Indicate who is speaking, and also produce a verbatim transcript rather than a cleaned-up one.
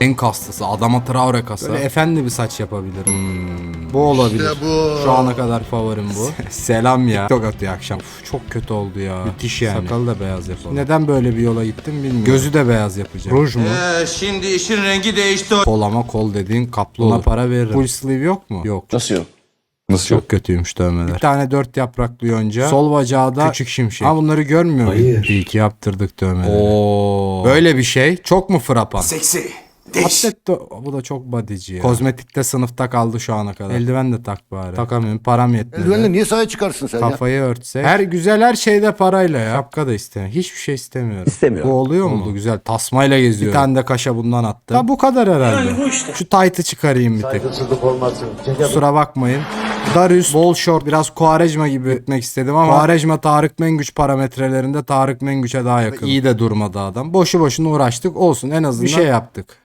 Speaker 1: En kastısı. Adama Traore kasa. Böyle efendi bir saç yapabilirim. Hmm, bu olabilir.
Speaker 2: İşte bu.
Speaker 1: Şu ana kadar favorim bu. Selam ya. TikTok atıyor akşam. Uf, çok kötü oldu ya. Müthiş yani. Sakalı da beyaz yapalım. Neden böyle bir yola gittim bilmiyorum. Gözü de beyaz yapacağım. Ruj mu?
Speaker 2: Ee, şimdi işin rengi değişti.
Speaker 1: Kol ama kol dediğin kaplı olur. Ona para veririm. Full sleeve yok mu? Yok.
Speaker 3: Nasıl yok?
Speaker 1: Nasıl çok kötüymüş dövmeler. Bir tane dört yapraklı yonca. Sol bacağı da küçük şimşek. Ama bunları görmüyor muyum?
Speaker 3: Hayır.
Speaker 1: İyi ki yaptırdık dövmeleri. Oo. Böyle bir şey çok mu frapan?
Speaker 2: Seksi.
Speaker 1: Atlet de, bu da çok bodyci ya. Kozmetikte sınıfta kaldı şu ana kadar. Eldiven de tak bari. Takamıyorum, param yetmedi.
Speaker 4: Eldivenle niye sahaya çıkarsın sen ya?
Speaker 1: Kafayı örtse. Her güzel her şeyde parayla ya. Şapka da istemiyorum. Hiçbir şey istemiyorum.
Speaker 3: İstemiyorum.
Speaker 1: Bu oluyor mu? Oldu güzel. Tasmayla geziyorum. Bir tane de kaşa bundan attım. Ha bu kadar herhalde. Şu taytı çıkarayım bir tek.
Speaker 4: Saygısızlık olmasın.
Speaker 1: Kusura bakmayın. Darius bol short biraz Quaresma gibi gitmek istedim ama Quaresma Tarık Mengüç parametrelerinde Tarık Mengüç'e daha yakın. İyi de durmadı adam. Boşu boşuna uğraştık olsun en azından bir şey yaptık.